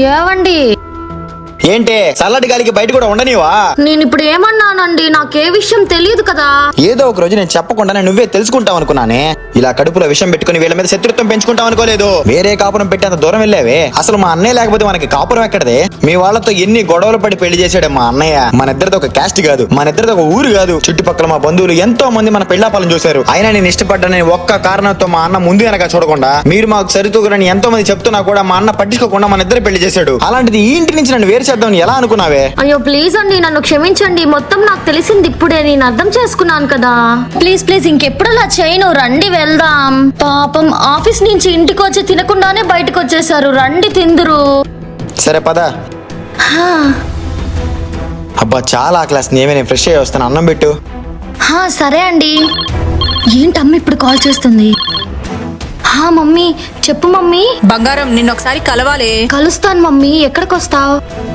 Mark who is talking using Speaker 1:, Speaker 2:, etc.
Speaker 1: ఏవండి
Speaker 2: ఏంటి చల్లటి గాలికి బయట కూడా ఉండనివా?
Speaker 1: నేను ఇప్పుడు ఏమన్నానండి? నాకే విషయం తెలియదు కదా.
Speaker 2: ఏదో ఒక రోజు నేను చెప్పకుండానే నువ్వే తెలుసుకుంటావు అనుకున్నానే. ఇలా కడుపులో విషం పెట్టుకుని వీళ్ళ మీద శత్రుత్వం పెంచుకుంటావు అనుకోలేదు. వేరే కాపురం పెట్టేంత దూరం వెళ్ళావే. అసలు మా అన్నయ్య లేకపోతే మనకి కాపురం ఎక్కడదే? మీ వాళ్ళతో ఎన్ని గొడవలు పడి పెళ్లి చేశాడు మా అన్నయ్య. మన ఇద్దరితో ఒక క్యాస్ట్ కాదు, మన ఇద్దరితో ఒక ఊరు కాదు. చుట్టుపక్కల మా బంధువులు ఎంతో మంది మన పెళ్లాపాలను చూశారు. అయినా నేను ఇష్టపడ్డానని ఒక్క కారణంతో మా అన్న ముందు వెనక చూడకుండా మీరు మాకు సరితూగురని ఎంతో మంది చెప్తున్నా కూడా మా అన్న పట్టించుకోకుండా మన ఇద్దరు పెళ్లి చేశాడు. అలాంటిది ఈ ఇంటి నుంచి నన్ను వేరు చేద్దామని ఎలా అనుకున్నావే?
Speaker 1: అయ్యో ప్లీజ్ అండి, నన్ను క్షమించండి. మొత్తం నాకు తెలిసింది ఇప్పుడే, నేను అర్థం చేసుకున్నాను కదా. ప్లీజ్ ప్లీజ్ ఇంకెప్పుడు అలా చేయను. రండి వెళ్దాం. పాపం ఆఫీస్ నుంచి ఇంటికి వచ్చి తినకుండానే బయటకు వచ్చేసారు. రండి తిందురు.
Speaker 2: సరే పద. అబ్బా చాలా ఆకలేస్తుంది. ఏమే నేను ఫ్రెష్ అయ్యి వస్తాను. అన్నం పెట్టు.
Speaker 1: సరే అండి. ఏంటమ్మ ఇప్పుడు కాల్ చేస్తుంది? మమ్మీ చెప్పు మమ్మీ.
Speaker 3: బంగారం నిన్నొకసారి కలవాలి.
Speaker 1: కలుస్తాను మమ్మీ. ఎక్కడికి వస్తావు?